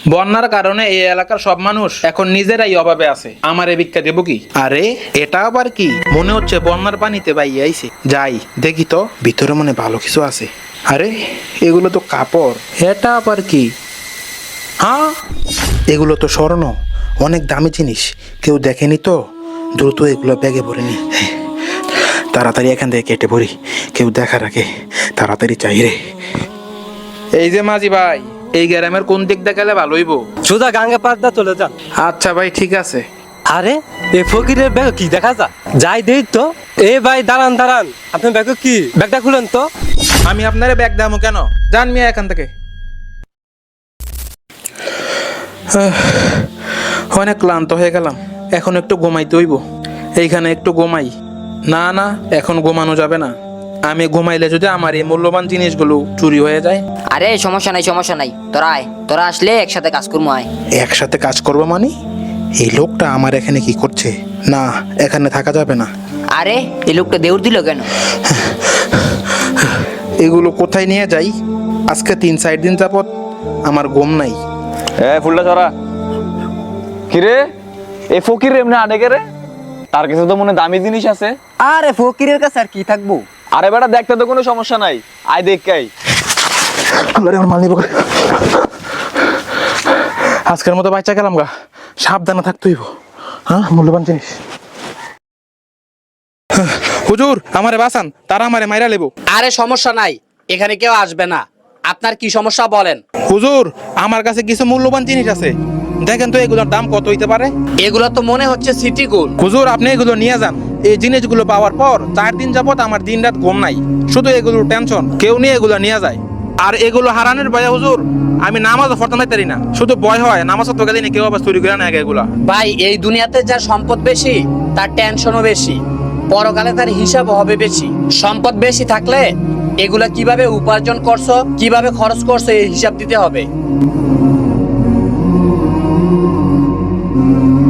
বন্যার কারণে এই এলাকার সব মানুষ এখন নিজেরাই অভাবে আছে। আমার এই ভিক্ষা দেবো কি? আরে এটা আবার কি? মনে হচ্ছে বন্যার পানিতে বাইয়ে আইছে। যাই দেখি তো, ভিতরে মনে ভালো কিছু আছে। আরে এগুলো তো কাপড়। এটা আবার কি? হ্যাঁ, এগুলো তো স্বর্ণ, অনেক দামি জিনিস। কেউ দেখেনি তো, দ্রুত এগুলো ব্যাগে ভরে নি। তাড়াতাড়ি এখান থেকে কেটে পড়ি, কেউ দেখার আগে তাড়াতাড়ি চাই রে। এই যে মাঝি ভাই, এই গ্রামের কোন দিক দেখালে ভালো হইব? সোজা গাঙ্গা পাড়টা চলে যান। আচ্ছা ভাই, ঠিক আছে। আরে এই ফকিরের ব্যাগ কি দেখা যা যাই দেই তো। এ ভাই দাঁড়ান দাঁড়ান, আপনার ব্যাগ কি? ব্যাগটা খুলেন তো। আমি আপনারে ব্যাগ দামো কেন? যান মিয়া এখান থেকে। অনেক ক্লান্ত হয়ে গেলাম, এখন একটু ঘুমাইতে হইব। এইখানে একটু ঘুমাই। না না, এখন ঘুমানো যাবে না। আমি ঘুমাইলে যদি আমার এই মূল্যবান জিনিসগুলো চুরি হয়ে যায়। আরে সমস্যা নাই সমস্যা নাই, তোরা আয়, তোরা আসলে একসাথে কাজ করবো আয়। একসাথে কাজ করবো মানে? এই লোকটা আমার এখানে কি করছে? না, এখানে থাকা যাবে না। আরে এই লোকটা দেউর দিল কেন? এগুলো কোথায় নিয়ে যাই? আজকে 3-4 দিন যাবত আমার ঘুম নাই। ফুলটা ছড়া কিরে, এ ফকির এমনি আনে কে রে? তার কাছে তো মনে দামি জিনিস আছে। আরে ফকিরের কাছে আর কি থাকবো? আরে বেটা, দেখতে তো কোনো সমস্যা নাই, আয় দেখ কাই। আজকের মতো বাচ্চা গেলাম গা, সাবধানে থাকতে হইব। হ্যাঁ, মূল্যবান জিনিস। হুজুর আমারে বাঁচান, তারা আমারে মাইরা লেবো। আরে সমস্যা নাই, এখানে কেউ আসবে না। আপনার কি সমস্যা বলেন। হুজুর আমার কাছে কিছু মূল্যবান জিনিস আছে, দেখেন তো এগুলোর দাম কত হইতে পারে। এগুলো তো মনে হচ্ছে সিটি গোল্ড। হুজুর আপনি এগুলো নিয়ে যান। এই জিনিসগুলো পাওয়ার পর 4 দিন যাবত আমার দিন রাত ঘুম নাই, শুধু এগুলোর টেনশন। কেউ নিয়ে এগুলো নিয়ে যায়, আর এগুলো হারানোর ভয়ে হুজুর আমি নামাজও পড়তে পারি না। শুধু ভয় হয় নামাজ তো গেলে কেউ আবার চুরি করে নেয় এগুলা। ভাই এই দুনিয়াতে যার সম্পদ বেশি তার টেনশনও বেশি, পরকালে তার হিসাবও হবে বেশি। সম্পদ বেশি থাকলে এগুলা কিভাবে উপার্জন করছো, কিভাবে খরচ করছো এই হিসাব দিতে হবে।